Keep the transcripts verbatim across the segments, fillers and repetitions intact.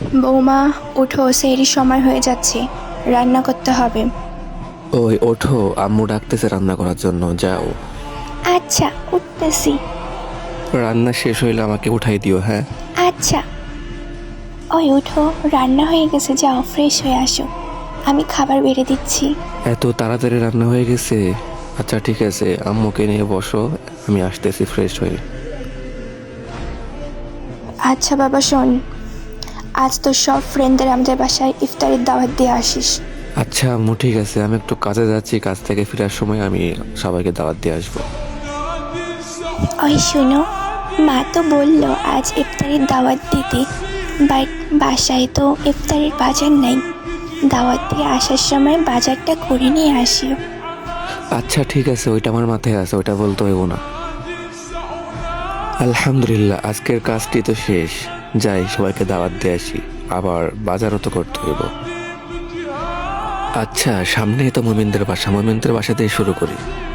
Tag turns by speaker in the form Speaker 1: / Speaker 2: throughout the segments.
Speaker 1: বৌমা উঠো, সেহরির সময় হয়ে যাচ্ছে, রান্না করতে হবে।
Speaker 2: ওই ওঠো, আম্মু ডাকতেছে রান্না করার জন্য, যাও।
Speaker 1: আচ্ছা, উঠতেছি।
Speaker 2: রান্না শেষ হইলে আমাকে উঠাই দিও, হ্যাঁ?
Speaker 1: আচ্ছা। ওই উঠো, রান্না হয়ে গেছে, যাও ফ্রেশ হয়ে আসো, আমি খাবার বেড়ে দিচ্ছি।
Speaker 2: এত তাড়াতাড়ি রান্না হয়ে গেছে? আচ্ছা ঠিক আছে, আম্মুকে নিয়ে বসো, আমি আসতেছি ফ্রেশ হয়ে।
Speaker 1: আচ্ছা বাবা শোন, আজ তো সব ফ্রেন্ডদের আমাদের বাসায় ইফতারের দাওয়াত দিয়ে আসিস।
Speaker 2: আচ্ছা আম্মু ঠিক আছে, আমি একটু কাজে যাচ্ছি, কাজ থেকে ফেরার সময় আমি সবাইকে দাওয়াত দিয়ে আসবো।
Speaker 1: ওই শোনো, মা তো বললো আজ ইফতারের দাওয়াত দিতে, বাট বাসায় তো ইফতারের বাজার নাই, দাওয়াত দিয়ে আসার সময় বাজারটা করে নিয়ে আসিও।
Speaker 2: আচ্ছা ঠিক আছে, ওইটা আমার মাথায় আছে, ওইটা বলতে হইব না। আলহামদুলিল্লাহ, আজকের কাজটি তো শেষ, যাই সবাইকে দাওয়াত দিয়ে আসি, আবার বাজারও তো করতে হইব। আচ্ছা সামনেই তো মোমিনদের বাসা, মোমিনদের বাসা দিয়ে শুরু করি।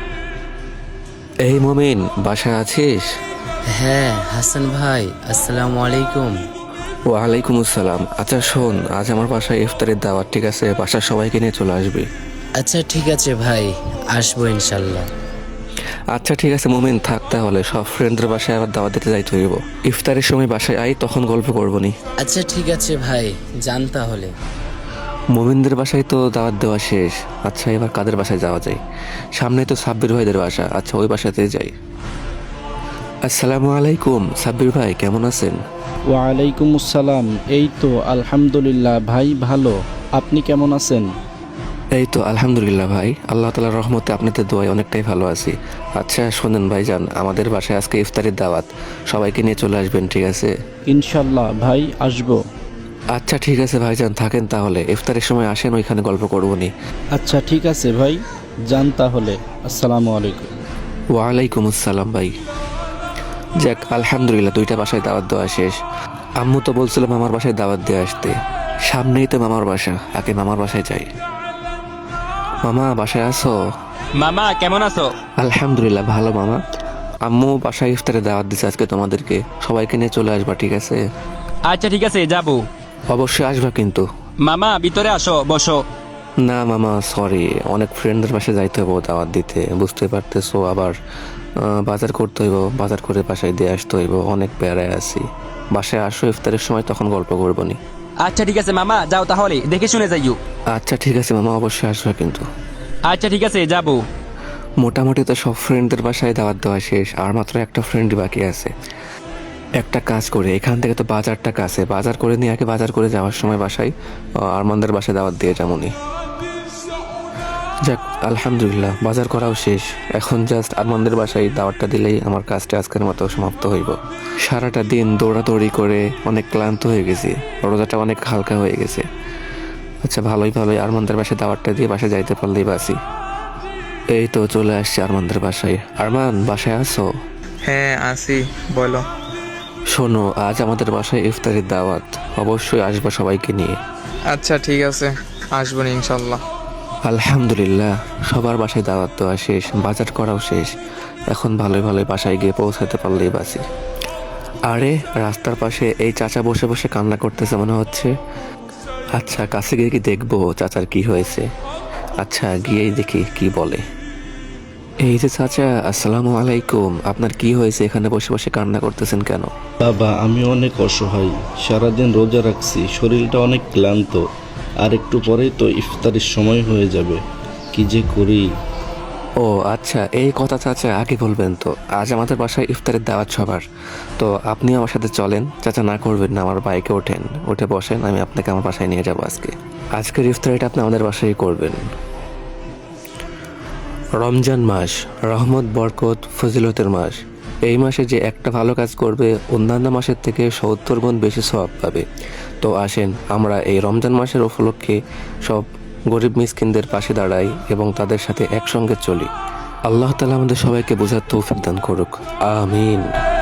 Speaker 2: এই মোমিন, বাসায় আছিস?
Speaker 3: হ্যাঁ হাসান ভাই, আসসালামু আলাইকুম।
Speaker 2: ওয়ালাইকুম আসসালাম। আচ্ছা শোন, আজ আমার বাসায় ইফতারের দাওয়াত, ঠিক আছে? বাসার সবাইকে নিয়ে চলে আসবি।
Speaker 3: আচ্ছা ঠিক আছে ভাই, আসবো ইনশাল্লাহ।
Speaker 2: আচ্ছা ঠিক আছে মোমিন, থাক তাহলে, সব ফ্রেন্ডদের বাসায় আবার দাওয়াত দিতে যাইতে হইব। ইফতারের সময় বাসায় আই, তখন গল্প করবো নি।
Speaker 3: আচ্ছা ঠিক আছে ভাই, যান তাহলে।
Speaker 2: মোমিনদের বাসায় তো দাওয়াত দেওয়া শেষ। আচ্ছা এবার কাদের বাসায় যাওয়া যায়? সামনে তো সাব্বির ভাইদের বাসা, আচ্ছা ওই বাসাতে যাই। আসসালামু আলাইকুম, সাব্বির ভাই কেমন আছেন?
Speaker 4: ওয়ালাইকুম আসসালাম। এই তো আলহামদুলিল্লাহ ভাই, ভালো। আপনি কেমন আছেন?
Speaker 2: এই তো আলহামদুলিল্লাহ ভাই, আল্লাহ তাআলার রহমতে আপনাদের দোয়ায় অনেকটাই ভালো আছি। আচ্ছা শোনেন ভাইজান, আমাদের বাসায় আজকে ইফতারের দাওয়াত, সবাইকে নিয়ে চলে আসবেন, ঠিক আছে?
Speaker 4: ইনশাল্লাহ ভাই, আসবো।
Speaker 2: আচ্ছা ঠিক আছে ভাইজান, থাকেন তাহলে, ইফতারের সময় আসেন, ওইখানে গল্প করবো নি।
Speaker 4: আচ্ছা ঠিক আছে ভাই, যান তাহলে। আসসালামু আলাইকুম।
Speaker 2: ওয়ালাইকুম আসসালাম ভাই। যাক আলহামদুলিল্লাহ, দুইটা বাসায় দাওয়াত দেওয়া শেষ। আম্মু তো বলছিল মামার বাসায় দাওয়াত দিয়ে আসতে, সামনেই তো মামার বাসা, আগে মামার বাসায় যাই। মামা বাসায় আছো?
Speaker 5: মামা কেমন আছো?
Speaker 2: আলহামদুলিল্লাহ ভালো মামা। আম্মু বাসায় ইফতারে দাওয়াত দিচ্ছে আজকে তোমাদেরকে, সবাইকে নিয়ে চলে আসবা, ঠিক আছে?
Speaker 5: আচ্ছা ঠিক আছে, যাবো।
Speaker 2: অবশ্যই আসবা কিন্তু।
Speaker 5: মামা ভিতরে আসো, বসো।
Speaker 2: না মামা সরি, অনেক ফ্রেন্ডদের বাসায় যাইতে হবো দাওয়াত দিতে, বুঝতে পারতেছো, আবার আহ, বাজার করতে হইব, বাজার করে বাসায় দিয়ে আসতে হইব, অনেক প্যারায় আছি। বাসায় আসো ইফতারের সময়, তখন গল্প করবো নি।
Speaker 5: আচ্ছা ঠিক আছে মামা, যাও তাহলে, দেখে শুনে যাইও।
Speaker 2: আচ্ছা ঠিক আছে মামা, অবশ্যই আসবে কিন্তু।
Speaker 5: আচ্ছা ঠিক আছে, যাবো।
Speaker 2: মোটামুটি তো সব ফ্রেন্ডদের বাসায় দাওয়াত দেওয়া শেষ, আর মাত্র একটা ফ্রেন্ডই বাকি আছে। একটা কাজ করে, এখান থেকে তো বাজারটা কাছে, বাজার করে নিয়ে আগে বাজার করে যাওয়ার সময় বাসায় আহ, আরমানদের বাসায় দাওয়াত দিয়ে যেমনই। যাক আলহামদুলিল্লাহ, বাজার করাও শেষ, এখন জাস্ট আরমানদের বাসায় দাওয়াতটা দিলেই আমার কাজটা আজকের মতো সমাপ্ত হইব। সারাটা দিন দৌড়াদৌড়ি করে অনেক ক্লান্ত হয়ে গেছি, রোজাটা অনেক হালকা হয়ে গেছে। আচ্ছা ভালোই ভালোই আরমানদের বাসায় দাওয়াতটা দিয়ে বাসায় যাইতে পারলেই বাসি। এই তো চলে আসছি আরমানদের বাসায়। আরমান বাসায় আছো?
Speaker 6: হ্যাঁ আসি, বলো।
Speaker 2: শোনো, আজ আমাদের বাসায় ইফতারের দাওয়াত, অবশ্যই আসবা সবাইকে নিয়ে।
Speaker 6: আচ্ছা ঠিক আছে, আসবো না ইনশাল্লাহ।
Speaker 2: আলহামদুলিল্লাহ, সবার বাসায় দাওয়াত দেওয়া শেষ, বাজার করাও শেষ, এখন ভালোই ভালোই বাসায় গিয়ে পৌঁছাতে পারলেই বাসি। আরে রাস্তার পাশে এই চাচা বসে বসে কান্না করতেছে মনে হচ্ছে। আচ্ছা কাছে গিয়ে কি দেখবো চাচার কি হয়েছে। আচ্ছা গিয়েই দেখি কি বলে। এই যে চাচা, আসসালামু আলাইকুম, আপনার কি হয়েছে, এখানে বসে বসে কান্না করতেছেন কেন?
Speaker 4: বাবা আমি অনেক অসহায়, সারাদিন রোজা রাখছি, শরীরটা অনেক ক্লান্ত, আর একটু পরেই তো ইফতারের সময় হয়ে যাবে, কি যে করি।
Speaker 2: ও আচ্ছা, এই কথা চাচা আগে বলবেন তো, আজ আমাদের বাসায় ইফতারের দাওয়াত সবার, তো আপনি আমার সাথে চলেন। চাচা না করবেন না, আমার বাইকে ওঠেন, উঠে বসেন, আমি আপনাকে আমার বাসায় নিয়ে যাবো আজকে। আজকের ইফতারিটা আপনি আমাদের বাসায় করবেন। রমজান মাস রহমত বরকত ফজিলতের মাস, এই মাসে যে একটা ভালো কাজ করবে অন্যান্য মাসের থেকে সত্তর গুণ বেশি সওয়াব পাবে। তো আসেন আমরা এই রমজান মাসের উপলক্ষে সব গরিব মিসকিনদের পাশে দাঁড়াই এবং তাদের সাথে একসঙ্গে চলি। আল্লাহ তাআলা আমাদের সবাইকে বোঝার তৌফিক দান করুক, আমিন।